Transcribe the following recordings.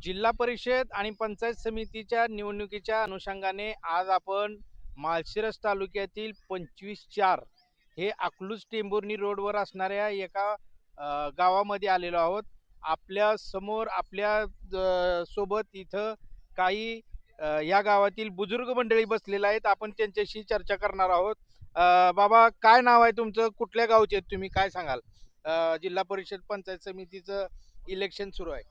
जिल्हा परिषद आणि पंचायत समितीच्या निवडणुकीच्या अनुषंगाने आज आपण माळशिरस तालुक्यातील 25/4 हे अकलूज टेंभुर्णी रोडवर असणाऱ्या एका गावामध्ये आलेलो आहोत. आपल्या समोर आपल्या सोबत इथं काही या गावातील बुजुर्ग मंडळी बसलेले आहेत. आपण त्यांच्याशी चर्चा करणार आहोत. बाबा, काय नाव आहे तुमचं? कुठल्या गावचे आहेत तुम्ही? काय सांगाल? जिल्हा परिषद पंचायत समितीचं इलेक्शन सुरू आहे.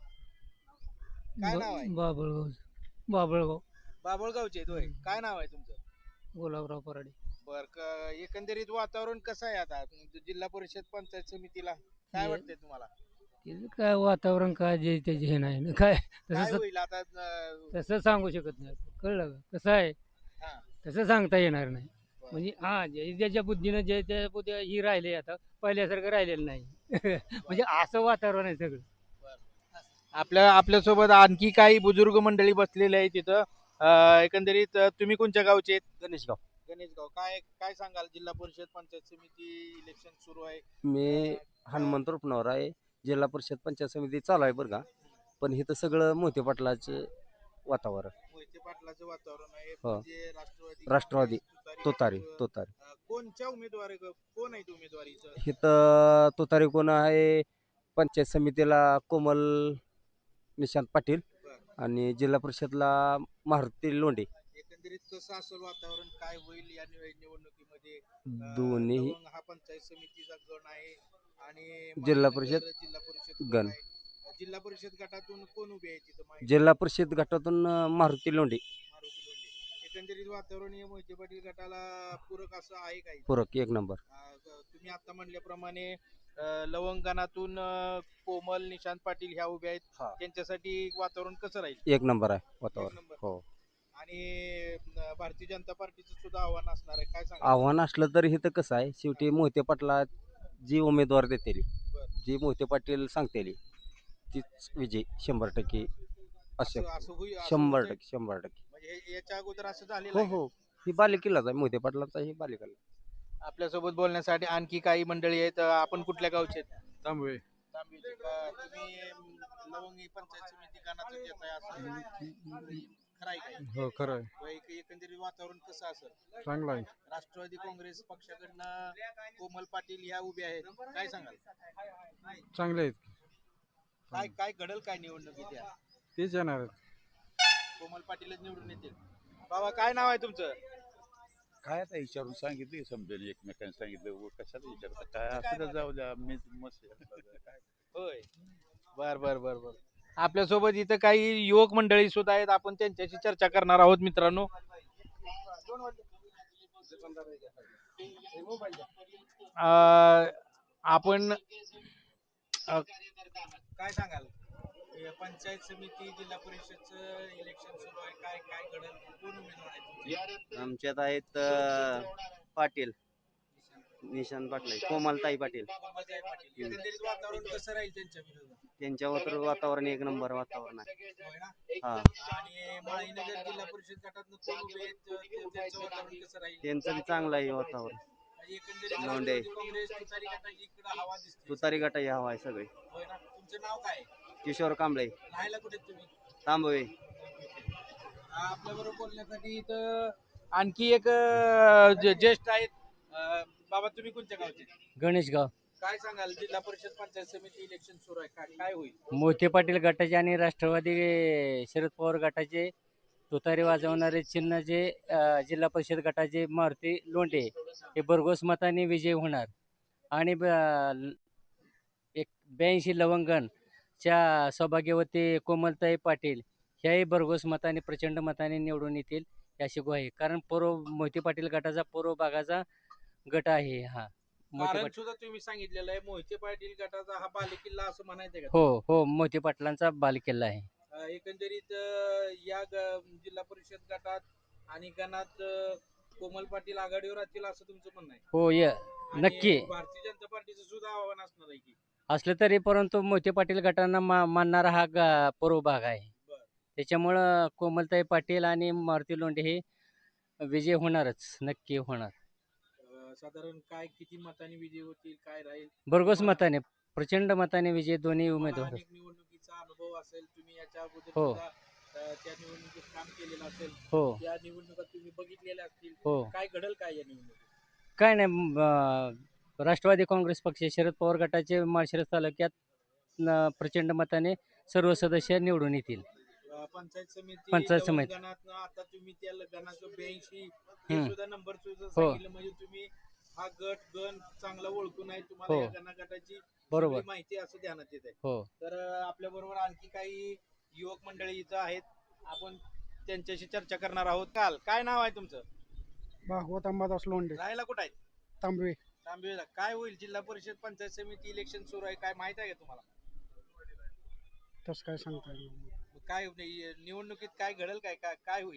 काय नाव आहे? बाबळगाव. बाबळगाव. बाभळगावचे आहेत होय. काय नाव आहे तुमचं? गुलाबराव पराडे. एकंदरीत वातावरण कसं आहे आता जिल्हा परिषद पंचायत समितीला? काय हे वाटतंय तुम्हाला? तिचं काय वातावरण काय जे त्याचे हे नाही ना काय काय तसं होईल आता? तसं सांगू शकत नाही आपण. कळलं का कसं आहे हा, तसं सांगता येणार नाही. बरं. म्हणजे हा जे ज्याच्या बुद्धीनं जे त्या बुद्धी ही राहिले आता पहिल्यासारखं राहिलेलं नाही. म्हणजे असं वातावरण आहे सगळं. आपल्यासोबत आणखी काही बुजुर्ग मंडळी बसलेले आहेत तिथं. एकंदरीत तुम्ही कोणत्या गावचे आहेत? गणेशगाव. गणेशगाव. काय काय सांगाल? जिल्हा परिषद पंचायत समिती इलेक्शन सुरू आहे. मी हनुमंत रुपनवर आहे. जिल्हा परिषद पंचायत समिती चालू आहे बरं का. पण इथं सगळं मोहिते पाटलाचं वातावरण. मोहिते पाटलाचं वातावरण आहे. हो. म्हणजे राष्ट्रवादी तुतारी गट, तुतारी. कोणच्या उमेदवार कोण आहेत उमेदवारीचं? इथं तुतारी कोण आहे? पंचायत समितीला कोमल निशांत पाटील बरं. आणि जिल्हा परिषदला मारुती लोंढे. एकंदरीत कसं असेल वातावरण? काय होईल या निवडणुकीमध्ये? दोन्ही लवंग हा पंचायत समितीचा गण आहे आणि जिल्हा माळीनगर परिषद जिल्हा परिषद गण गण. आहे. जिल्हा परिषद गटातून कोण उभे आहे तिथं? जिल्हा परिषद गटातून मारुती लोंढे. मारुती लोंढे. एकंदरीत वातावरण हे मोहिते पाटील गटाला पूरक असं आहे काही? पूरक एक नंबर. तुम्ही आता म्हणल्याप्रमाणे लवंगणातून कोमल निशांत पाटील ह्या उभ्या आहेत. हा. त्यांच्यासाठी वातावरण कसं राहील? एक नंबर आहे एक वातावरण. नंबर. हो. आणि भारतीय जनता पार्टीचं सुद्धा आव्हान असणार आहे. काय सांगा? आव्हान असलं तरी इथं कसं आहे, शेवटी मोहिते पाटला जी उमेदवार देतेली, जी मोहिते पाटील सांगतेली तीच विजय 100% असे. असं होईल? 100%. 100%. म्हणजे याच्या अगोदर असं झालेलं हो आहे का? हो. ही बालेकिल्लाच आहे मोहिते पाटलांचा, ही बालेकिल्ला. आपल्यासोबत बोलण्यासाठी आणखी काही मंडळी आहेत. आपण कुठल्या गावचे आहेत? तांबवे. तांबेचे. तुम्ही लवंगी पंचायत समिती गणाचं देत आहे असं खरं आहे काय? हो खरं आहे. एकंदरीत वातावरण कसं असेल? चांगला आहे. राष्ट्रवादी काँग्रेस पक्षाकडनं कोमल पाटील ह्या उभ्या आहेत. काय सांगाल? चांगले आहेत. काय काय घडल काय निवडणुकीत या? तेच येणार आहेत. कोमल पाटीलच निवडून येतील. बाबा, काय नाव आहे तुमचं? काय आता विचारून सांगितलं समजेल, एकमेकांनी सांगितलं कशाला विचारता, काय असं तर जाऊ द्या, मी मस्त काय. होय. बर बर बर बर. आपल्यासोबत इथं काही युवक मंडळी सुद्धा आहेत. आपण त्यांच्याशी चर्चा करणार आहोत मित्रांनो. आपण काय सांगाल? पंचायत समिती जिल्हा परिषदचं इलेक्शन सुरू आहे. काय काय घडल? कोण उमेदवार आहेत? आमच्यात आहेत पाटील निशांत पाटील, कोमलताई पाटील. एकंदरीत वातावरण कसं राहील त्यांच्या विरोधात? त्यांच्यावर वातावरण एक नंबर वातावरण आहे. होय ना? हा. आणि माळीनगर जिल्हा परिषद गटातनं कोण उभे आहेत? त्यांचं वातावरण कसं राहील? त्यांचं बी चांगलं आहे वातावरण. एकंदरीत लोंढे. राष्ट्रवादी काँग्रेस तुतारी गटाची इकडं हवा दिसते. तुतारी गटाची हवा आहे सगळे. होय ना? तुमचं नाव काय आहे? किशोर कांबळे, राहायला कुठे आहेत तुम्ही? तांबवे. आपल्या बरोबर बोलण्यासाठी इथं आणखी एक ज्येष्ठ आहेत. बाबा, तुम्ही कोणत्या गावचे? गणेशगाव. काय सांगाल? जिल्हा परिषद पंचायत समिती इलेक्शन सुरू आहे. काय काय होईल? मोहिते पाटील गटाचे आणि राष्ट्रवादी शरद पवार गटाचे तुतारी वाजवणारे चिन्ह जे जिल्हा परिषद गटाचे मारुती लोंढे हे भरघोस मताने विजय होणार. आणि एक 82 लवंगणच्या सौभाग्यवती कोमलताई पाटील ह्याही भरघोस मताने प्रचंड मताने निवडून येतील अशी ग्वाही. कारण मोहिते पाटील गटाचा पूर्व भागाचा गट आहे हा. मोहिते कारण पाटील. सुद्धा तुम्ही सांगितलेलं आहे, मोहिते पाटील गटाचा हा बालेकिल्ला असं म्हणायचंय का? हो हो, मोहिते पाटलांचा बालेकिल्ला आहे. एकंदरीत जिल्हा परिषद गटात आणि गणात कोमल पाटील आघाडीवर असतील असं तुमचं म्हणणं आहे? हो आणि नक्की भारतीय जनता पार्टीचं सुद्धा आव्हान असणार आहे की? असलं तरी परंतु मोहिते पाटील गटांना मानणारा हा पूर्व भाग आहे. बरं. त्याच्यामुळं कोमलताई पाटील आणि मारुती लोंढे हे विजय होणारच, नक्की होणार. साधारण काय किती मतांनी विजय होतील? काय राहील? भरघोस मताने, प्रचंड मताने विजय दोन्ही तुम्हाला उमेदवार. अनेक निवडणुकीचा निवडणुकीचा अनुभव असेल, तुम्ही याच्या अगोदर हो. सुद्धा त्या निवडणुकीत काम केलेलं असेल, हो त्या निवडणुका तुम्ही बघितलेल्या असतील. हो. काय घडल काय या निवडणुकीत? काय नाही राष्ट्रवादी काँग्रेस पक्ष शरद पवार गटाचे माळशिरस तालुक्यात प्रचंड मताने सर्व सदस्य निवडून येतील. पंचायत समिती पंचायत लवंग समिती. गणातनं आता तुम्ही त्या गणाचं 82 हे हम्म. सुद्धा नंबर सुद्धा हो. सांगितलं, म्हणजे तुम्ही हा गण चांगला ओळखून आहे, तुम्हाला हो. या गणागटाची बरोबर. सगळी माहिती असं ध्यानात येत आहे. हो. तर आपल्या बरोबर आणखी काही युवक मंडळी इथं आहेत, आपण त्यांच्याशी चर्चा करणार आहोत. काल काय नाव आहे तुमचं? भागवत अंबादास लोंढे राहायला कुठं आहे? तांबवे. तांबेला. काय होईल जिल्हा परिषद पंचायत समिती इलेक्शन सुरू आहे, काय माहित आहे का तुम्हाला? तसं काय सांगता येईल मग काय निवडणुकीत काय घडेल, काय काय काय होईल?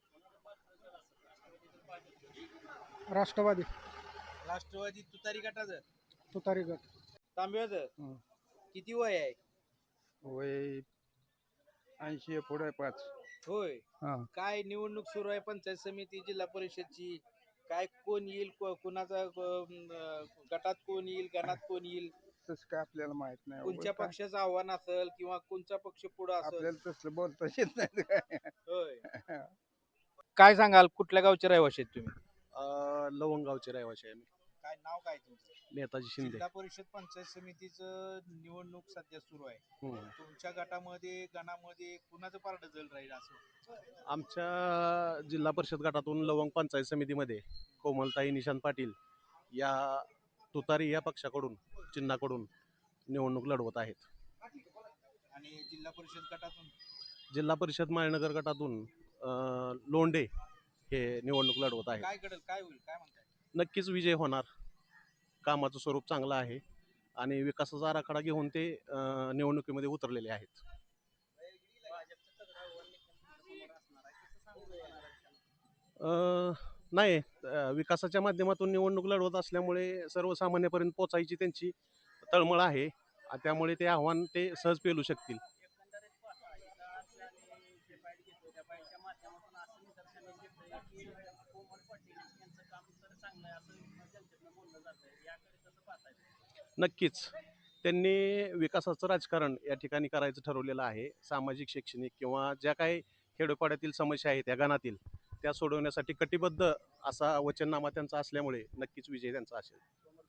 राष्ट्रवादी राष्ट्रवादी तुतारी गटाचं तुतारी गट. तांब्याचं हं. किती वय आहे? वय 80 पुढे 5. होय. हा. काय निवडणूक सुरू आहे पंचायत समिती जिल्हा परिषदची, काय कोण येईल, कुणाचा गटात कोण येईल, गणात कोण येईल, तसं काय आपल्याला माहित नाही. कोणत्या पक्षाचं आव्हान असेल किंवा कोणचा पक्ष पुढे असेल? आपल्याला तसलं बोलता येत नाही काय. होय. काय सांगाल, कुठल्या गावचे रहिवाशी आहेत तुम्ही? लवंगावचे रहिवाशी आहे मी. काय नाव काय तुमचं? नेताजी शिंदे. जिल्हा परिषद पंचायत समितीचं निवडणूक सध्या सुरू आहे. तुमच्या गटामध्ये गणामध्ये कुणाचं पारडं जल राहील असं? आमच्या जिल्हा परिषद गटातून लवंग पंचायत समितीमध्ये कोमलताई निशांत पाटील या तुतारी या पक्षाकडून चिन्हाकडून निवडणूक लढवत आहेत. आणि जिल्हा परिषद गटातून जिल्हा परिषद माळनगर गटातून लोंढे हे निवडणूक लढवत आहेत. काय घडेल, काय होईल, काय म्हणताय? नक्कीच विजय होणार. कामाचं स्वरूप चांगलं आहे आणि विकासाचा आराखडा घेऊन ते निवडणुकीमध्ये उतरलेले आहेत. नाही, विकासाच्या माध्यमातून निवडणूक लढवत असल्यामुळे सर्वसामान्यपर्यंत पोचायची त्यांची तळमळ आहे, त्यामुळे ते आव्हान ते सहज पेलू शकतील. नक्कीच त्यांनी विकासाचं राजकारण या ठिकाणी करायचं ठरवलेलं आहे. सामाजिक, शैक्षणिक किंवा ज्या काही खेडोपाड्यातील समस्या आहेत या गणातील, त्या सोडवण्यासाठी कटिबद्ध असा वचननामा त्यांचा असल्यामुळे नक्कीच विजय त्यांचा असेल.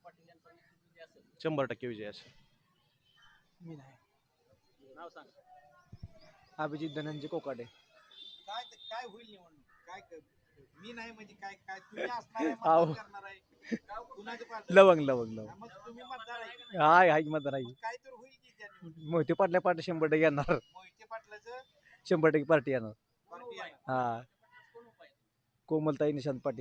100% विजय असेल. मी नाही. नाव सांग. अभिजित धनंजय कोकाटे. काय काय होईल निवडणूक, काय मी नाही म्हणजे काय काय तुम्ही असणार आहे, आहो. मतदान करणार आहे, कुणाचं पारडं? लवंग लवंग लवंग. मग तुम्ही मतदार आहे की नाही? हाय हाय मतदार आहे. मग काय तर होईल की त्या निवडणुकीत? मोहिते पाटल्या पार्टी 100% येणार. मोहिते पाटलाचं 100% पार्टी येणार. पार्टी आहे. हा. कोमलताई निशांत पाटील.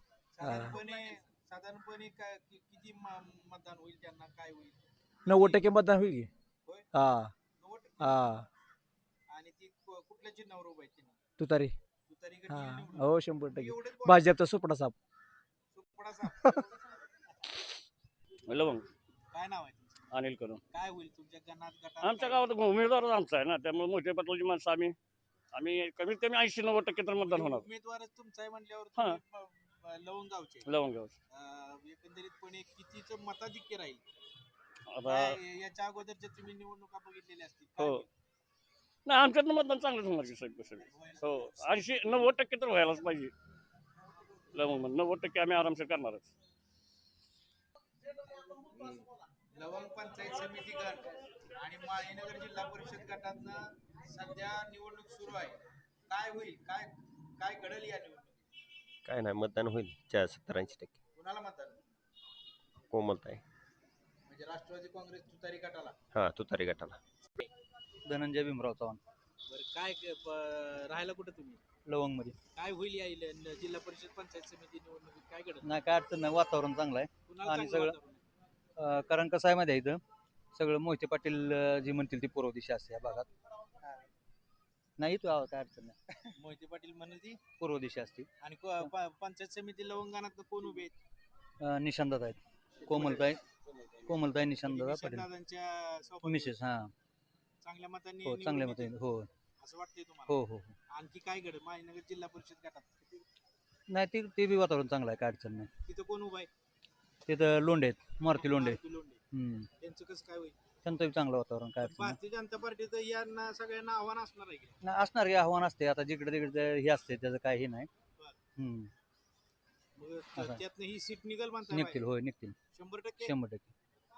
साधारणपणे किती मतदान होईल त्यांना, काय होईल? 90% मतदान होईल की. होय? हा 90%? हा. आणि ती कुठल्या चिन्हावर उभं आहे त्यांनी? तुतारी. तुतारी गट हा येईल निवडून? हो 100%. एवढंच बोला. भाजपचा सुपडा साप. सुपडा साप. लवंग. काय नाव आहे तुमचं? अनिल करून काय होईल तुमच्या गटात आमच्या काय गावात उमेदवारच आमचा आहे ना, त्यामुळे मोठे पाटलाची माणसं आम्ही कमीत कमी 80-90% तर मतदान होणार. उमेदवारच तुमचा आहे म्हटल्यावर हा. तुम्ही लवंग गावचे लवंग गावचं. एकंदरीतपणे कितीचं मताधिक्य राहील? आता काय याच्या अगोदरच्या तुम्ही निवडणुका बघितलेल्या असतील, काय हो. होईल? नाही, आमच्यातनं मतदान चांगलंच होणार की सगळं. हो, 80-90% तर व्हायलाच पाहिजे. लवंग 90% आम्ही आरामशीर करणारच. लवंग पंचायत समिती गट आणि माळीनगर जिल्हा परिषद गटातनं सध्या निवडणूक सुरू आहे. काय होईल, काय काय घडेल या निवडणुकीत? काय नाही, मतदान होईल 70-80%. कुणाला मतदान? कोमलताई. म्हणजे राष्ट्रवादी काँग्रेस तुतारी गटाला? हा, तुतारी गटाला. धनंजय भीमराव चव्हाण. बरं, काय राहायला कुठं तुम्ही? लवंग मध्ये. काय होईल या जिल्हा परिषद पंचायत समिती निवडणुकीत, काय घडेल? नाही काय अडचण नाही, वातावरण चांगलं आहे. कुणाला आणि चांगलं सगळं- वातावरण आहे? कारण कसं आहे माहिती आहे, इथं सगळं मोहिते पाटील जी म्हणतील ती पूर्व दिशा असते या भागात. नाही तू काय अडचण नाही, मोहिते पाटील म्हणेल ती. पूर्व दिशा असते. आणि पंचायत समिती लवंगानात कोण उभे आहेत? निशांतदादा आहेत. कोमलताई निशांतदादा पाटील. दादांच्या सोबत मिसेस. हा चांगल्या मतांनी हो, निवडून चांगल्या येतील. मते. हो असं वाटतंय तुम्हाला? हो हो. आणखी काय घडेल माळीनगर जिल्हा परिषद गटात? नाही ते बी वातावरण चांगलं आहे, काय अडचण नाही. तिथं कोण उभा आहे? तिथं लोंढे आहेत, मारुती लोंढे. मारुती लोंढे. हम्म. त्यांचं कसं काय होईल? संतोष चांगलं वातावरण काय अडचण नाही. भारतीय जनता पार्टीचं यांना सगळ्यांना आव्हान असणार आहे की नाही, असणार की आव्हान असते आता जिकडे तिकडे हे असते त्याचं काही नाही. हम्म. मग असं. त्यातनं ही सीट निघल म्हणताय निघतील, बाहेर? होय निघतील 100%. 100%.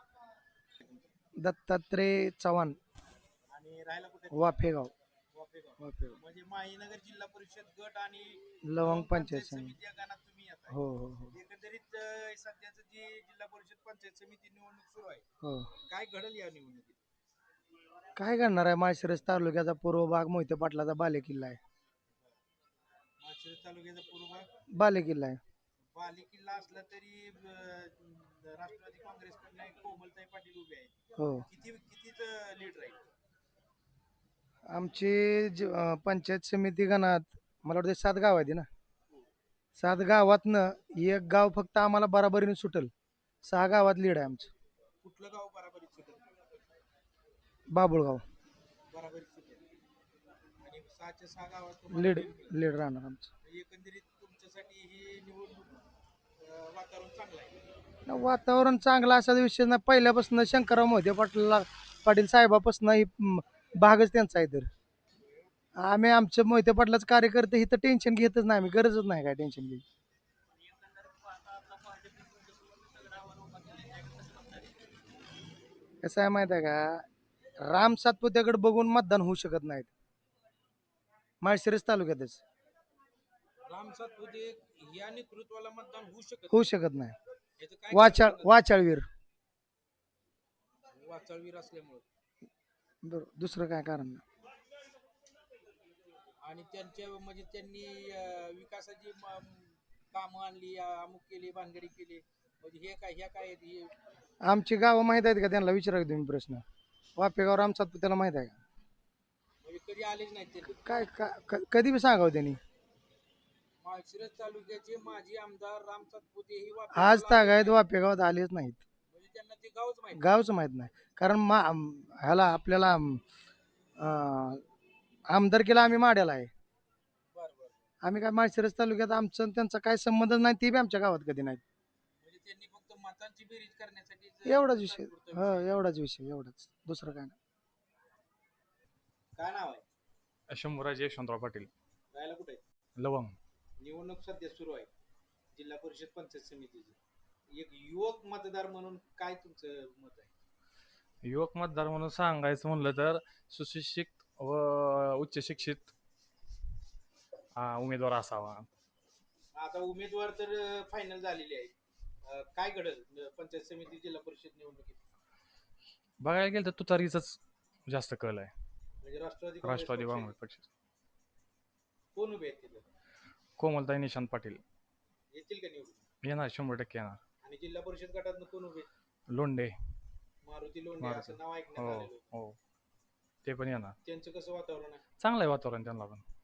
दत्तात्रय चव्हाण, आणि राहायला कुठे? वाफेगाव. वाफेगाव. म्हणजे माहीनगर जिल्हा परिषद गट आणि लवंग पंचायत समिती. समिती या गणात तुम्ही येताय. हो हो हो एकंदरीत सध्याचं जी जिल्हा परिषद पंचायत समिती निवडणूक सुरू आहे, हो. काय घडल या निवडणुकीत? काय करणार आहे? माळशिरस तालुक्याचा पूर्व भाग मोहिते पाटलाचा बालेकिल्ला आहे. माळशिरस तालुक्याचा पूर्व भाग बालेकिल्ला आहे. बालेकिल्ला असला तरी राष्ट्रवादी काँग्रेसकडनं एक कोमलताई पाटील उभे आहेत. हो. कितीच लीड राहील? आमची पंचायत समिती गणात मला वाटतं 7 गाव आहेत ना. 7 गावातनं एक गाव फक्त आम्हाला बराबरीने सुटल. 6 गावात लीड आहे आमचं. कुठलं गाव बराबरीत सुटेल? बाबुळगाव बराबरीत सुटेल. आणि 6च्या 6 गावात तुम्हाला लीड lead मिळेल. लीड राहणार आमचं. एकंदरीत तुमच्यासाठी ही निवडणूक वातावरण चांगलं आहे. वातावरण चांगलं असा विषय नाही. पहिल्यापासून शंकरराव मोहिते पाटील साहेबापासून ही भागच त्यांचा आहे. तर आम्ही आमच्या मोहिते पाटलाचं कार्यकर्ते ही तर टेन्शन घेतच नाही. आम्ही गरजच नाही काय टेन्शन घ्यायची. कसं आहे माहित आहे का, राम सातपुत्याकडे बघून मतदान होऊ शकत नाहीत माळशिरस तालुक्यातच. राम सातपुते या नेतृत्वाला मतदान होऊ शकत नाही. याचं काय कारण सांगाल? वाचाळवीर वाचाळवीर असल्यामुळे बरोबर, दुसरं काय कारण नाही. आणि त्यांच्या म्हणजे त्यांनी विकासाची कामं आणली, अमुक केली, भानगडी केली, म्हणजे हे काय ह्या काय आहेत? हे आमची गावं माहित आहेत का त्यांना? विचारा तुम्ही प्रश्न. वापेगाव राम सातपुत्याला माहित आहे का? म्हणजे कधी आलेच नाहीत ते. काय कधी बी सांगावं त्यांनी. माळशिरस तालुक्याचे माजी आमदार राम सातपुते ही आज तागायत वापेगावात आलेच नाहीत. म्हणजे त्यांना ते गावच माहिती. गावच माहित नाही. कारण ह्याला आपल्याला आमदारकीला आम्ही माड्याला आहे. बरं बरं. आम्ही काय माळशिरस तालुक्यात आमचं आणि त्यांचा काय संबंध नाही. ते बी आमच्या गावात कधी नाही. म्हणजे त्यांनी फक्त मतांची बेरीज करण्यासाठी एवढाच विषय. हो एवढाच विषय, एवढाच, दुसरं काय नाही. काय नाव आहे? शंभूराज यशवंतराव पाटील, राहायला कुठे? लवंग. निवडणूक सध्या सुरू आहे जिल्हा परिषद पंचायत समितीची. एक युवक मतदार म्हणून काय तुमचं मत आहे? युवक मतदार म्हणून सांगायचं म्हणलं तर सुशिक्षित व उच्च शिक्षित उमेदवार असावा. आता उमेदवार तर फायनल झालेले आहेत. काय घडल पंचायत समिती जिल्हा परिषद निवडणुकीत? बघायला गेलं तर तुतारीचाच जास्त कल आहे. म्हणजे राष्ट्रवादी राष्ट्रवादी काँग्रेस काँग्रेस पक्ष पक्ष. कोण उभे आहेत तिथं? कोमलताई निशांत पाटील येतील का निवडून? येणार, 100% येणार. आणि जिल्हा परिषद गटातनं कोण उभे? लोंढे. मारुती लोंढे असं नाव ऐकण्यात हो आलेलं. हो, ते पण येणार. त्यांचं कसं वातावरण आहे? चांगलं आहे वातावरण त्यांना पण.